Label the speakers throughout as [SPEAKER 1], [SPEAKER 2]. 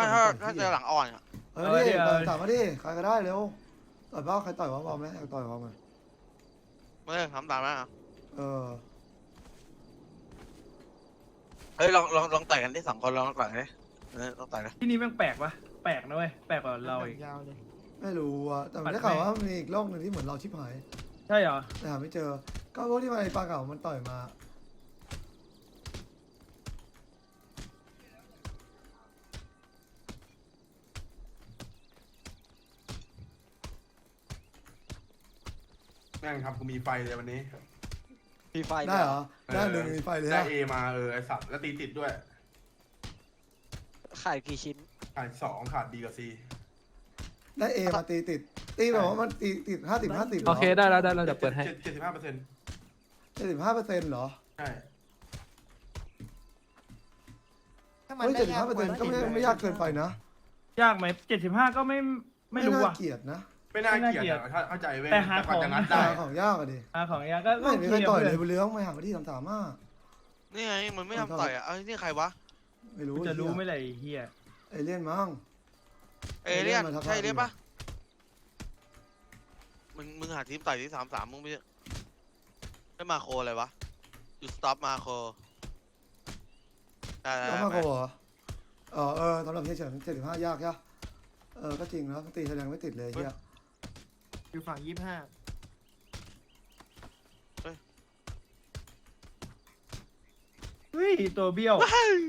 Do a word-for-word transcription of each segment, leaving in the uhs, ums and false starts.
[SPEAKER 1] ไม่ถ้าถ้าเจอหลังอ่อนอ่ะ
[SPEAKER 2] เออดิต่อยถามมาดิใครก็ได้เร็วต่อยบ้าใครต่อยวะบอลไหมอยากต่อยบอลไหม
[SPEAKER 1] ไม่ได้ทำตามนะ
[SPEAKER 2] เออ
[SPEAKER 1] เฮ้ยลองลองลองต่อยกันที่สองคนลองต่อยกันดิเออลองต่อยกัน
[SPEAKER 3] ที่นี่แม่งแปลกวะแปลกนะเว้ยแปลกกว่าเราอีก
[SPEAKER 4] ยาวเลย
[SPEAKER 2] ไม่รู้อ่ะแต่ผมได้ข่าวว่ามีอีกโลกหนึ่งที่เหมือนเราชิบหาย
[SPEAKER 3] ใช่เหรอ
[SPEAKER 2] แต่หาไม่เจอก็พวกที่มาไอ้ปลาเก่ามันต่อยมา
[SPEAKER 5] แม่งทำกูมีไฟเลยวันนี้
[SPEAKER 4] มีไฟ
[SPEAKER 2] ได้เหรอได้หนึ่งมีไฟเลย
[SPEAKER 5] ได้
[SPEAKER 2] นะ
[SPEAKER 5] เอมาเออไอสัตว์แล้วตีติดด้วย
[SPEAKER 4] ขายกี่ชิ้น
[SPEAKER 5] ขาดสองขาดดีกับซี
[SPEAKER 2] ได้เอมาตีติดตีแบบว่ามันตีติดห้าสิบห้าสิบ
[SPEAKER 6] โอเคได้แล้วได้แล้วเดี๋ยวเปิดให้
[SPEAKER 5] เจ็ดสิบห้าเปอร์เซ็นต์
[SPEAKER 2] เจ็ดสิบห้าเปอร์เซ็นต์เหรอ
[SPEAKER 5] ใช่
[SPEAKER 2] เฮ้ยเจ็ดสิบห้าเปอร์เซ็นต์ก็ไม่ไม่ยากเกินไปนะ
[SPEAKER 3] ยากไหมเจ็ดสิบห้าก็ไม่ไม่รู้
[SPEAKER 2] น่า
[SPEAKER 3] ว่ะ
[SPEAKER 2] เกลียดนะ
[SPEAKER 5] ไม่น่า
[SPEAKER 3] ไม่น่า
[SPEAKER 5] เกลียด
[SPEAKER 3] เกลียด
[SPEAKER 5] อะถ้าเข้าใจเว้ย
[SPEAKER 3] แต่หา
[SPEAKER 5] ก่อนจะ
[SPEAKER 3] ของ
[SPEAKER 5] งัดได้
[SPEAKER 2] หาของยากอะดิ
[SPEAKER 3] อาของยากก็
[SPEAKER 2] ไม่
[SPEAKER 3] โอ
[SPEAKER 2] มี
[SPEAKER 3] เค
[SPEAKER 2] ใครต่อยเลย
[SPEAKER 3] เพื่อน
[SPEAKER 2] บุญเลี้ยงไม่หาที่ทำสามารถ
[SPEAKER 1] นี่ไงมันไม่ทำต่อยอ่ะเอ้ยนี่ใครวะ
[SPEAKER 2] ไม่รู้
[SPEAKER 3] จะรู้ไหม
[SPEAKER 2] ไ
[SPEAKER 3] ล่ะไอ้เฮีย
[SPEAKER 2] เอเลี่ยนมั้ง
[SPEAKER 1] เอเลี่ยน
[SPEAKER 2] เอเลี่ยนมาทัก
[SPEAKER 1] ใช่เอเลี่ยน
[SPEAKER 2] ทาย
[SPEAKER 1] ปะมึงมึงหาทีมต่อยที่สามสามมึงไม่ไม่มาโคอะไรวะอยู่สต็อปมาโคได้ได้
[SPEAKER 2] แล้ว
[SPEAKER 1] ได้
[SPEAKER 2] มา
[SPEAKER 1] ไป
[SPEAKER 2] โกเหรอเออเออสำหรับเฮียเฉินเจ็ดสิบห้ายากใช่เออก็จริงนะตีแสดงไม่ติดเลยเฮีย
[SPEAKER 4] อยู่ฝั่งยี่สิบห้า
[SPEAKER 3] เฮ้ยตัวเบี้ยว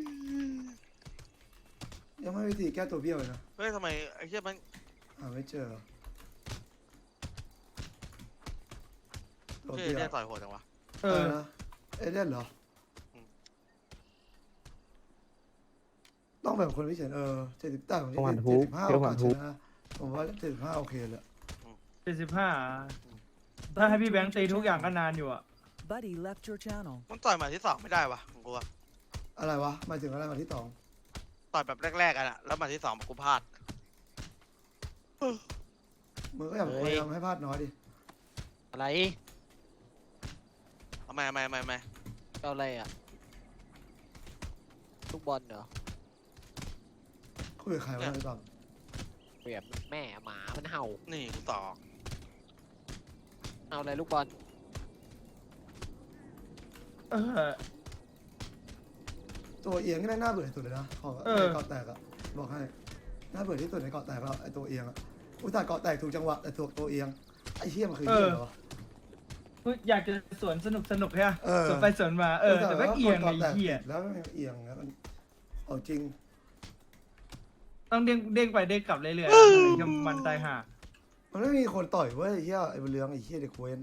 [SPEAKER 2] ยังไม่มีวิธีแก้ตัวเบี้ยวเลยนะ
[SPEAKER 1] เฮ้ยทำไมไอ้เหี้ยมัน
[SPEAKER 2] หาไม่เจอตัว
[SPEAKER 1] เฮ้ย
[SPEAKER 2] เบี้ยว
[SPEAKER 1] เนี่ยต่อยโหดจังวะ
[SPEAKER 3] เอ
[SPEAKER 2] เอ
[SPEAKER 3] อ
[SPEAKER 2] อนะเอเลี่ยนเหรอ
[SPEAKER 1] อืม
[SPEAKER 2] ต้องแบบคนพิเศษเออเจ็ดสิบแต่ผม
[SPEAKER 6] ต้องหัน
[SPEAKER 2] เจ็
[SPEAKER 6] ฮุ
[SPEAKER 2] ด
[SPEAKER 6] ก
[SPEAKER 2] สิบห้า
[SPEAKER 6] เดี๋
[SPEAKER 2] โอ
[SPEAKER 6] ยวหั
[SPEAKER 2] กาส
[SPEAKER 6] น
[SPEAKER 2] ช
[SPEAKER 6] ฮุก
[SPEAKER 2] นะผมว่าเจ็ดสิบห้าโอเคเลย
[SPEAKER 3] เจ็ดสิบห้าถ้าให้พี่แบงค์ตีทุกอย่างก็นานอยู่อ่ะ
[SPEAKER 7] Buddy left your channel.
[SPEAKER 1] มันต่อยหมาที่สองไม่ได้วะของกูอะ
[SPEAKER 2] อะไรวะหมายถึงอะไรมาที่สอง
[SPEAKER 1] ต่อยแบบแรกๆกันอะแล้วหมาที่สองกูพลาด
[SPEAKER 2] มึงก็อย่าพยายามให้พลาดน้อยดิ
[SPEAKER 4] อะไร
[SPEAKER 1] เอาไม่ไม่ไม่ไม่
[SPEAKER 4] เอาอะไรอ่ะลูกบอลเหรอ
[SPEAKER 2] คุยกับใครวะไอ้บัง
[SPEAKER 4] เปลี่ยนแม่หมามันเห่า
[SPEAKER 1] นี่กูต่อ
[SPEAKER 4] เอาอะไรลูกบอล
[SPEAKER 3] เออ
[SPEAKER 2] ตัวเอียงนี่แม่งน่าเบื่อที่สุดเลยนะของ
[SPEAKER 3] เออ
[SPEAKER 2] ไอ้เกาะแตกอะบอกให้น่าเบื่อที่สุดในเกาะแตกแล้วไอ้ตัวเอียงอะอุตส่าห์เกาะแตกถูกจังหวะแต่ถูกตัวเอียงไอ้เหี้ยมันคือเหี้ยเหรอวะ
[SPEAKER 3] อยากจะสวนสนุกสนุกใช่ไหม
[SPEAKER 2] เออ
[SPEAKER 3] สวนไปสวนมาเออแต่แม่งเอียงไอ้เหี้ย
[SPEAKER 2] แล้วมันเอียงแล้วมันเอาจริง
[SPEAKER 3] ต้องเด้งเด้งไปเด้งกลับเรื่อยๆถึงจะมันตายห่า
[SPEAKER 2] มันไม่มีคนต่อยเว้ยไอ้เหี้ยไอ้บุญเรืองไอ้เหี้ยเด็กเวน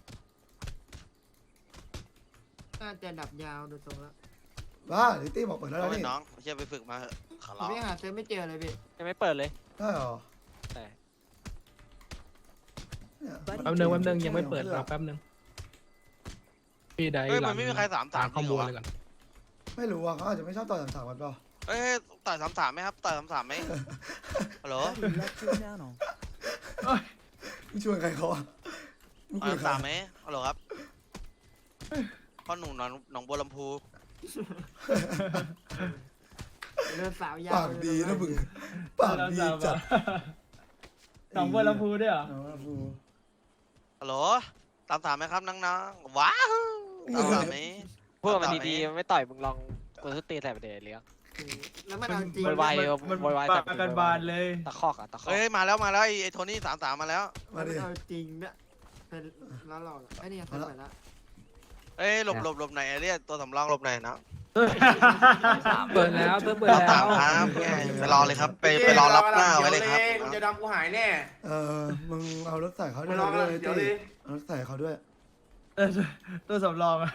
[SPEAKER 8] น่าจะดับยาวดูทรงแล้ว
[SPEAKER 2] บ้าลิตี้บอกเปิดแล้ว
[SPEAKER 1] เอา
[SPEAKER 2] นะ
[SPEAKER 1] ไป
[SPEAKER 2] นี่
[SPEAKER 1] น้องเชี่ยไปฝึกมาเถอะขอ
[SPEAKER 8] ผม
[SPEAKER 1] ร้อง
[SPEAKER 8] ไม่หาเซิร์ฟไม่เจอเลยพี่
[SPEAKER 4] ยังไม่เปิดเลย
[SPEAKER 2] ได้เหรอ
[SPEAKER 4] แต่
[SPEAKER 2] เนี่ย
[SPEAKER 6] แป๊บนึงแป๊บนึงยังไม่เปิดรอแป๊บนึงพี่ได้
[SPEAKER 1] เฮ้ย
[SPEAKER 6] หลั
[SPEAKER 1] มันไม่มีใครสามสาม
[SPEAKER 6] ข้อ
[SPEAKER 1] จริงเหร
[SPEAKER 6] มู
[SPEAKER 1] อ
[SPEAKER 6] ล
[SPEAKER 1] วะ
[SPEAKER 6] เลยก่อน
[SPEAKER 2] ไม่รู้อ่ะเขาอาจจะไม่ชอบต่อยสามสามกันเปล่า
[SPEAKER 1] เฮ้ยต่อยสามสามไหมครับต่อยสามสามไหมฮัลโหล
[SPEAKER 7] Buddy left your channel.
[SPEAKER 2] มึงชวนใครเขาอ่ะมึง
[SPEAKER 1] ต่
[SPEAKER 2] คุ
[SPEAKER 1] อย
[SPEAKER 2] ย
[SPEAKER 1] สาม
[SPEAKER 2] กับ
[SPEAKER 1] สาม
[SPEAKER 2] ใคร
[SPEAKER 1] ไหมฮัลโหลครับพ่อหนุ่มหนองหนองบัวลำพู
[SPEAKER 8] เดินสาวยาว
[SPEAKER 2] ปากดีนะมึงปากดีจัด
[SPEAKER 3] หนองบัวลำพูด้วยเหรอ
[SPEAKER 2] หนองบัวลำพู
[SPEAKER 1] ฮัลโหลสามสามไหมครับน้องๆว้าวสามสามไหม
[SPEAKER 4] พูดมันดีๆมันไม่ต่อยมึงลองกดสตีใส่ประเดี๋ยวเลี้ยง
[SPEAKER 8] แล้วมันเอาจริง
[SPEAKER 4] โวยวาย
[SPEAKER 3] มัน
[SPEAKER 4] โวยวาย
[SPEAKER 3] ปา
[SPEAKER 4] แต่
[SPEAKER 3] กกันบานเลย
[SPEAKER 4] ตะคอกอะตะคอก
[SPEAKER 1] เฮ้ยมาแล้วมาแล้วไอ้ไอ้โทนี่สามสามมาแล้ว
[SPEAKER 2] มา
[SPEAKER 8] มัน
[SPEAKER 2] ดิ
[SPEAKER 8] เอาจริงเนี่ยเป็นล้อหลอกไอ้นี่เซิร์ฟไปแล้ว
[SPEAKER 1] เอ้ยหลบหลบหลบไหนอยไอ้เรียกตัวสำรองหลบไหนอยนะ
[SPEAKER 6] เปิดแล้วเปิดเปิด
[SPEAKER 1] สาม
[SPEAKER 6] แล้
[SPEAKER 1] สาว มครับไปรอเลยครับไปไปรอรับหน้าไว้เลยครับ
[SPEAKER 5] กูจะดำกูหายแน่
[SPEAKER 2] เออมึงเอารถใส่เขาด้
[SPEAKER 5] มา
[SPEAKER 2] วย
[SPEAKER 5] รอกัน
[SPEAKER 2] ด้วย
[SPEAKER 5] เดี๋ยว
[SPEAKER 2] ตี้
[SPEAKER 5] เลย
[SPEAKER 2] เอารถใส่เขาด้วย
[SPEAKER 3] เออตัวสำรองอะ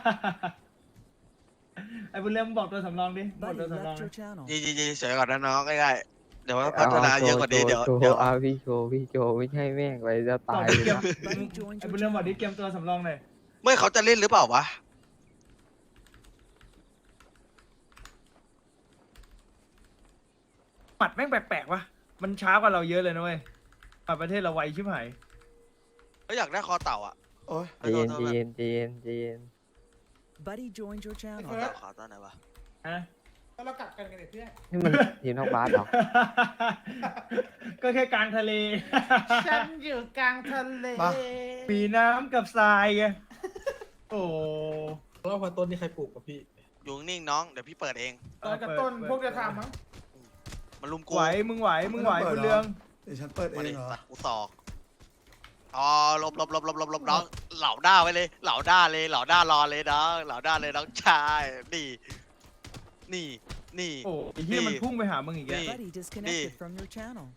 [SPEAKER 3] ไอ้บุญเลี้ยงบอกตัวสำรองดิบอก
[SPEAKER 7] Buddy
[SPEAKER 3] ตัวสำรอง
[SPEAKER 7] left your channel.
[SPEAKER 1] ยียียีเฉยก่อนนะน้องง่ายๆเดี๋ยวพัฒนาเยอะกว่านี้เดี๋ยว
[SPEAKER 6] โชว์
[SPEAKER 1] เดี๋ยว
[SPEAKER 6] เอาพี่โชว์พี่โชว์ไม่ใช่แม่งไปจะ
[SPEAKER 3] บอ
[SPEAKER 6] ตาก ย
[SPEAKER 3] ดิเกม
[SPEAKER 7] Buddy joined
[SPEAKER 3] ไอ้
[SPEAKER 7] your
[SPEAKER 3] บุญเลี้ยงบอกดิ
[SPEAKER 7] channel.
[SPEAKER 3] เกมตัวสำรองหน่อย
[SPEAKER 1] ไม่เขาจะเล่นหรือเปล่าวะ
[SPEAKER 3] หมัดแม่งแปลกๆวะมันช้ากว่าเราเยอะเลยนะเว้ยหมัดประเทศเราไวชิบหาย
[SPEAKER 1] เขาอยากได้คอเต่าอ่ะ
[SPEAKER 2] โอ้ย
[SPEAKER 6] เย็นเย็นเย็นเย็น
[SPEAKER 7] Buddy joined your
[SPEAKER 1] คอ
[SPEAKER 7] channel.
[SPEAKER 1] เต่าขอตอนไหนวะ
[SPEAKER 3] ฮะ
[SPEAKER 8] เรากลับกันกันเพื่อน
[SPEAKER 4] นี่มันทีมนอกบ้านเหรอ
[SPEAKER 3] ก็แค่กลางทะเล
[SPEAKER 8] ฉันอยู่กลางทะเล
[SPEAKER 2] มา
[SPEAKER 3] มีน้ำกับทรายไงโอ้
[SPEAKER 6] แล้วพันต้นนี่ใครปลูกกับพี่
[SPEAKER 1] อยู่นิ่งๆน้องเดี๋ยวพี่เปิดเอง
[SPEAKER 8] ตอนกับต้นพวกจะทำมั้ง
[SPEAKER 1] มันลุมกู
[SPEAKER 3] ไหวมึงไหวมึงไหวคุณเรือง
[SPEAKER 2] เดี๋ยวฉันเปิดเอ
[SPEAKER 1] มาง ดิ
[SPEAKER 2] เหรอ
[SPEAKER 1] สัตว์กูสอกอ๋อหลบหลบหลบหลบหลบหลบน้องเหล่าด้าไว้เลยเหล่าด้าเลยเหล่าด้ารอเลยน้องเหล่าด้าเลยน้องชายนี่นี่นี่
[SPEAKER 3] โอ้ไอ้เหี้ยมันพุ่งไปหามึงอีกแก
[SPEAKER 1] นี่
[SPEAKER 7] Buddy disconnected from your channel.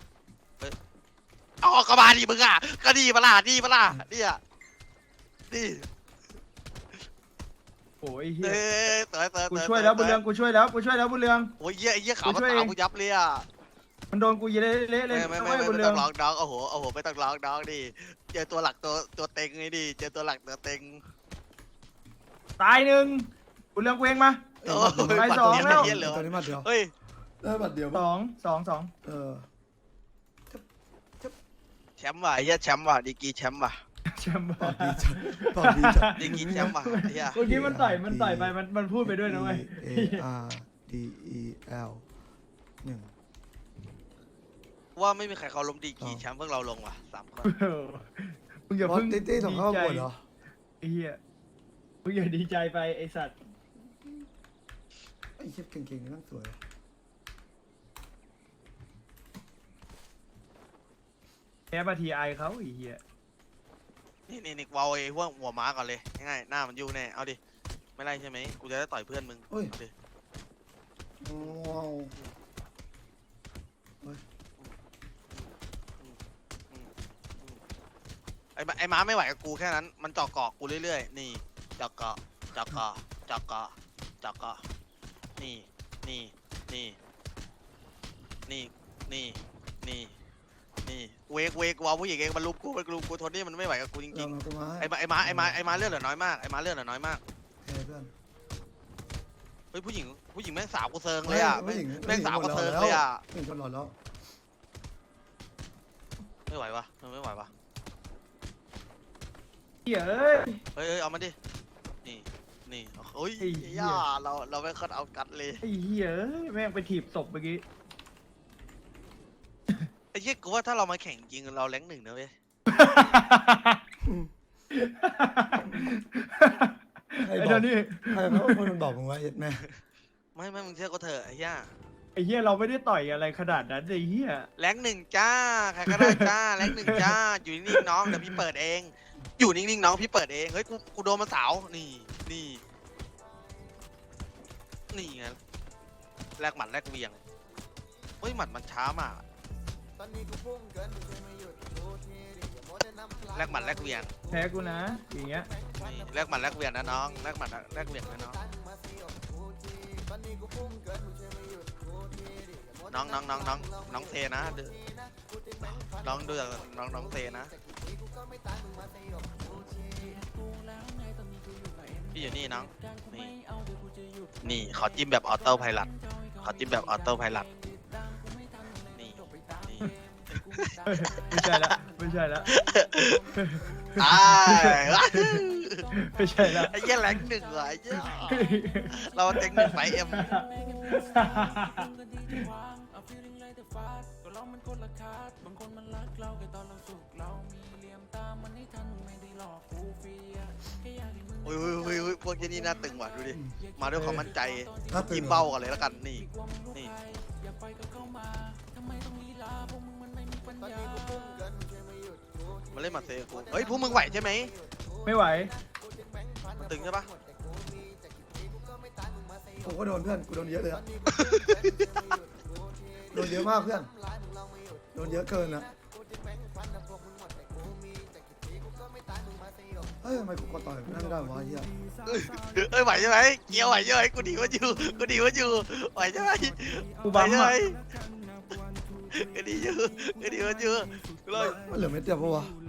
[SPEAKER 1] เอากระบาดิมึงอ่ะก็ดีปะล่ะดีปะล่ะเนี่ยนี่
[SPEAKER 3] โอ้ยไอ้เหี้ย
[SPEAKER 1] เอ้ยเต๋อเต๋อ
[SPEAKER 3] กู
[SPEAKER 1] เต๋อ
[SPEAKER 3] ช่วยแล้วบุญเรืองกูช่วยแล้วกูช่วยแล้วบุญเรือง
[SPEAKER 1] โอ้ยเยี่ยไอ้เยี่ยขาว
[SPEAKER 3] กู
[SPEAKER 1] มัน
[SPEAKER 3] ช่วย
[SPEAKER 1] ตา
[SPEAKER 3] เอง
[SPEAKER 1] กูยับเลยอ่ะ
[SPEAKER 3] มันโดนกูเละเละเล
[SPEAKER 1] ไม่
[SPEAKER 3] ย
[SPEAKER 1] ไม่ไม่
[SPEAKER 3] ไม่
[SPEAKER 1] ไม่
[SPEAKER 3] บุญ
[SPEAKER 1] ไม่
[SPEAKER 3] เรื
[SPEAKER 1] ต้
[SPEAKER 3] อ
[SPEAKER 1] อง งร้องน้องโอ้โหโอ้โหไม่ต้องร้องน้องดิเจอตัวหลักตัวตัวเต็งไงดิเจอตัวหลักตัวเต็ง
[SPEAKER 3] ตายหนึ่งบุญเรืองกูเองมา
[SPEAKER 1] โอ้
[SPEAKER 3] ไป
[SPEAKER 1] ย
[SPEAKER 3] สอง
[SPEAKER 1] บัตร
[SPEAKER 3] แล้ว
[SPEAKER 1] เดียเหลือ
[SPEAKER 2] ตอนนี้มาเดียว
[SPEAKER 1] เฮ้ย
[SPEAKER 2] ได้บัตรเดียว
[SPEAKER 3] สองสองสอง
[SPEAKER 2] เออ
[SPEAKER 1] แชมป์ว่ะไอ้เหี้ยแชมป์ว่ะดีกรีแชมป์ว่ะ
[SPEAKER 3] แชมป์
[SPEAKER 2] ตอบดีจัดตอบดีจัด
[SPEAKER 1] ดีกรีแชมป์ว่ะไอ้เหี้ย
[SPEAKER 3] เมื่อกี้มันต่อยมันต่อยไปมันมันพูดไปด้วยนะเว้ย
[SPEAKER 2] A R D E L หนึ่ง
[SPEAKER 1] ว่าไม่มีใครเขาล้มดีกรีแชมป์เพิ่งเราลงว่ะสามคน
[SPEAKER 3] มึงอย่า
[SPEAKER 2] บอส
[SPEAKER 3] เพิ่ง
[SPEAKER 2] ตี้ตี้ส่งเข้าประกวดเหรอ
[SPEAKER 3] ไอ้เหี้ยมึงอย่าดีใจไปไอ้สัตว์
[SPEAKER 2] ไอ้เชฟเก่งๆนี่นั่งสวย
[SPEAKER 3] แพ้มาทีไอเขาไอ้เหี้ย
[SPEAKER 1] นี่นี่นี่วาวไอ้พวกหัวม้าก่อนเลยง่ายๆหน้ามันยู่แน่เอาดิไม่ไล่ใช่ไหมกูจะได้ต่อยเพื่อนมึง
[SPEAKER 2] เฮ้ย
[SPEAKER 1] เอาดิ
[SPEAKER 2] ว้าว
[SPEAKER 1] ไอ้ม้าไอ้ม้าไม่ไหวกับกูแค่นั้นมันเจาะเกาะกูเรื่อยๆนี่เจาะเกาะเจาะเกาะเจาะเกาะเจาะเกาะนี่นี่นี่นี่นี่นี่นี่เวกเวกวาวผู้หญิงเองมันลุกกูมันลุกกูทนนี่มันไม่ไหวกับกูจ
[SPEAKER 2] เดี๋
[SPEAKER 1] ริ
[SPEAKER 2] ยว
[SPEAKER 1] ง
[SPEAKER 2] มันก็มา
[SPEAKER 1] ๆไอ้ม้าไอ้ม้าไอ้ม้าไอ้ม้าเลือดเหลือน้อยมากไอ้ม้าเลือดเหลือน้อยมาก
[SPEAKER 2] เฮ้ยเพื่อน
[SPEAKER 1] เฮ้ยผู้หญิงผู้หญิงแม่งสาวกูเซิงเลยอ่ะ
[SPEAKER 2] ผู้
[SPEAKER 1] แม่ง
[SPEAKER 2] หญิง
[SPEAKER 1] แม่งสาวกู
[SPEAKER 2] ผู้ห
[SPEAKER 1] เซิ
[SPEAKER 2] ญิ
[SPEAKER 1] ง
[SPEAKER 2] หมด
[SPEAKER 1] เลย
[SPEAKER 2] แว
[SPEAKER 1] อ่ะ
[SPEAKER 2] ผู้หญิงคนหล่อแล้ว
[SPEAKER 1] ไม่ไหววะมันไม่ไหววะ
[SPEAKER 3] เหี้ยเอ้ย
[SPEAKER 1] เฮ้ยเฮ้ยเอามาดินี่นี่โอ้ย
[SPEAKER 3] ไอ้เหี้ย
[SPEAKER 1] ย่าเราเราไม่ค่อยเอากัดเลย
[SPEAKER 3] ไอ้เหี้ยเอ้ยแม่งไปถีบศพเมื่อกี้
[SPEAKER 1] ไอ้เหี้ยกูว่าถ้าเรามาแข่งจริงเราแรงหนึ่งนะเว้ย
[SPEAKER 2] ใคร
[SPEAKER 3] ไอ้
[SPEAKER 2] บ
[SPEAKER 3] เดี๋
[SPEAKER 2] อย ก
[SPEAKER 3] วนี้
[SPEAKER 2] ใครเขาเป็นคนบอกมึงว่าเอ็ดแม่
[SPEAKER 1] ไม่ไม่มึงเชื่อกูเถอะไอ้เหี้ย
[SPEAKER 3] ไอ้เหี้ยเราไม่ได้ต่อยอะไรขนาดนั้นไอ้เหี้ย
[SPEAKER 1] แรงหนึ่งจ้าใครก็ได้จ้าแรงหนึ่งจ้าอยู่นิ่งๆน้องเดี๋ยวพี่เปิดเอง อยู่นิ่งๆน้องพี่เปิดเองเฮ้ยกูกูโดนมาสาวนี่นี่นี่ไงแลกหมัดแลกเหวียงเฮ้ยหมัดมันช้ามากแลกหมัดแลกเหวียง
[SPEAKER 3] แพ้กูนะอย่างเงี้ย
[SPEAKER 1] นี่แลกหมัดแลกเหวียงนะน้องแลกหมัดแลกเหวียงนะน้องน้องน้องน้องน้องน้องเซนะดูน้องดูจากน้องน้องเซนะพี่อยู่นี่น้องนี่นี่ขอจิ้มแบบออโต้ไพลัตขอจิ้มแบบออโต้ไพลัตนี่นี่
[SPEAKER 3] ไม่ใช่ละไม่ใช่ละ
[SPEAKER 1] ตาย
[SPEAKER 3] ไม่ใช่ละ
[SPEAKER 1] ไอ้เหี้ยแรงหนึ่งเหรอไอ้เหี้ยเราเต็งหนึ่งไฟเอ็มโอ้ยโอ้ยโอ้ยโอ้ยพวกเจนี่น่าตึงว่ะดูดิมาด้วยความมั่นใจ
[SPEAKER 2] ถ้าตื่
[SPEAKER 1] จิ้
[SPEAKER 2] น
[SPEAKER 1] มเบ้ากันเลยแล้วกันนี่นี่มาเล่นมาเซกูเฮ้ยพวกมึงไหวใช่ไหม
[SPEAKER 3] ไม่ไหว
[SPEAKER 1] ตึงใช่ปะ
[SPEAKER 2] ผมก็โดนเพื่อนกูโดนเยอะเลยอะโดนเยอะมากเพื่อนโดนเยอะเกินอะเฮ้ยทำไมกูกดต่อยนั่นไม่ได้วะเฮีย
[SPEAKER 1] เอ้ยไหวใช่ไหมเกียวไหวใช่ไหมกูดีกว่าอยู่กูดีกว่าอยู่ไหวใช่ไหม
[SPEAKER 3] กู
[SPEAKER 1] ไหว
[SPEAKER 3] บัม
[SPEAKER 1] ใช่ไหม
[SPEAKER 3] อ่ะ
[SPEAKER 1] กูดีอยู่กูดีกว่าอยู่เลย
[SPEAKER 2] มันเหลือเม็ดเดียวปะวะ
[SPEAKER 1] เ